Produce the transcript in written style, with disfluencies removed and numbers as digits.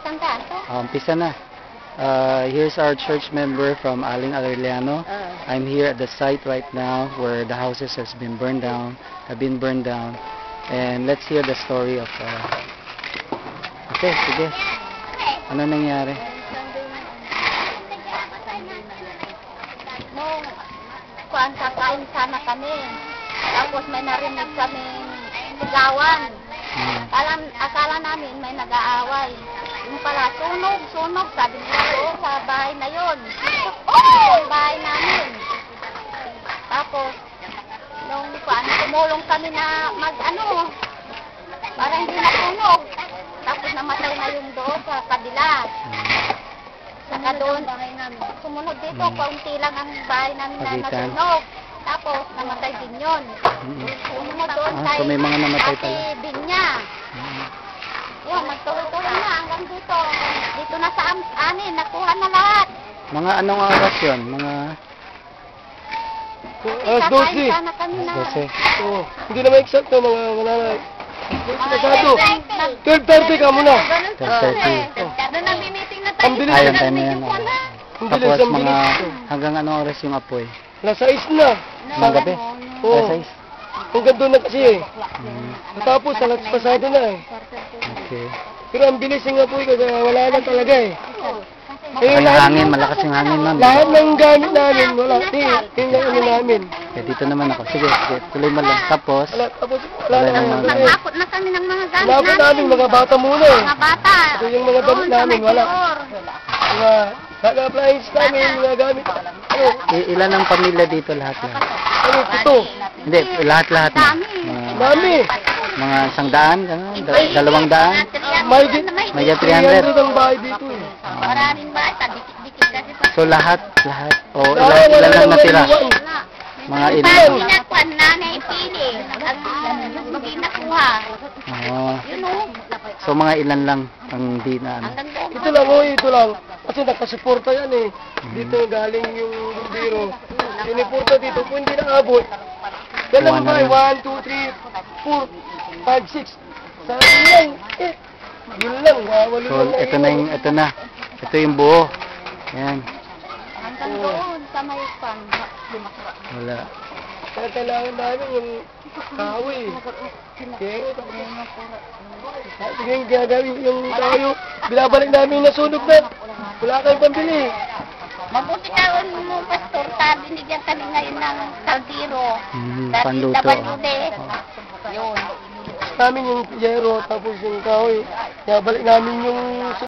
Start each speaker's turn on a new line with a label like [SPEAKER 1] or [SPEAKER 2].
[SPEAKER 1] Sandaan to?
[SPEAKER 2] Umpisa na. Here's our church member from Aling Arellano. I'm here at the site right now where the houses have been burned down. And let's hear the story of... Okay, sige. Ano nangyari?
[SPEAKER 1] Nung kuan kakain sana kami. Tapos may narinig kaming sigawan. Akala namin may nag-aaway. Yung pala, sunog, sabi nila doon sa bahay na yun. Yung bahay namin. Tapos, nung tumulong kami na para hindi masunog. Tapos namatay na yung doon sa kabila. Saka doon, sumunod dito, kaunti lang ang bahay namin na nasunog. Tapos, namatay din yun. Sumunod doon kay
[SPEAKER 2] so may mga namatay pala.
[SPEAKER 1] Ate Binya. Yun, nagtuloy-tuloy na hanggang dito. Dito na sa amin, nakuha na lahat.
[SPEAKER 2] Mga anong oras yun? Mga...
[SPEAKER 1] Alas 12. Sana kami na.
[SPEAKER 2] 12.
[SPEAKER 3] Oo. Hindi naman eksakto mga mananay. Eksakto. 12:30 ka muna.
[SPEAKER 2] 12:30.
[SPEAKER 1] Doon nami-meeting na tayo.
[SPEAKER 3] Ang bilis.
[SPEAKER 2] Ayun, tayo na yan.
[SPEAKER 3] Ang bilis,
[SPEAKER 2] Tapos
[SPEAKER 3] ang
[SPEAKER 2] mga...
[SPEAKER 3] bilis.
[SPEAKER 2] Hanggang anong oras yung apoy?
[SPEAKER 3] Alas 6 na.
[SPEAKER 2] Mga gabi?
[SPEAKER 3] Oo.
[SPEAKER 2] Alas 6?
[SPEAKER 3] Hanggang doon na kasi eh. Tapos, alas pasado na eh.
[SPEAKER 2] Okay.
[SPEAKER 3] Pero ang bilis yung apoy kasi wala na talaga eh.
[SPEAKER 2] Yung hangin, malakas yung hangin, ma'am.
[SPEAKER 3] Lahat ng gamit namin, wala. Yung ano namin.
[SPEAKER 2] Okay, dito naman ako. Sige, tuloy mo lang. Tapos,
[SPEAKER 3] Tapos, wala na.
[SPEAKER 1] Nagpakot na kami ng mga gamit
[SPEAKER 3] Lapot namin, mga bata muna eh.
[SPEAKER 1] Mga bata.
[SPEAKER 3] Ito yung mga gamit namin, wala. Mga appliance namin, mga gamit. Ano?
[SPEAKER 2] ilan ang pamilya dito lahat?
[SPEAKER 3] Ano, ito.
[SPEAKER 2] Hindi, lahat-lahat na.
[SPEAKER 3] Dami.
[SPEAKER 2] Mga 100, gano'n? 200?
[SPEAKER 3] May
[SPEAKER 2] 300.
[SPEAKER 3] 300 ang bahay dito eh.
[SPEAKER 1] Maraming bata, dikit-dikit kasi pa.
[SPEAKER 2] So lahat. O, ilan lang natira? Mga ilan?
[SPEAKER 1] Pinakuan nanay pili. At hindi nakuha.
[SPEAKER 2] Oo.
[SPEAKER 1] Yun o.
[SPEAKER 2] So mga ilan lang ang di na ano?
[SPEAKER 1] Hanggang doon.
[SPEAKER 3] Ito lang, ito lang. Kasi nakasuporta yan eh. Dito galing yung bumbiro. Siniporta dito. Kung hindi naabot, yan lang ba? 1, 2, 3, 4, 5, 6. Sa lang. Yun lang. Walo
[SPEAKER 2] So
[SPEAKER 3] lang.
[SPEAKER 2] ito na. Ito yung buo. Yan.
[SPEAKER 1] Hanggang doon sa may pan.
[SPEAKER 2] Wala.
[SPEAKER 3] Kaya kailangan namin yung kahoy. Sige, gagawin yung tayo. Binabalik namin yung nasunog na. Wala kayong pambili.
[SPEAKER 1] Mabuti ka mo, Pastor. Binigyan kami ngayon ng kaldero.
[SPEAKER 2] Panluto.
[SPEAKER 1] Yun.
[SPEAKER 3] Namin yung yero tapos yung kahoy. Kaya balik namin yung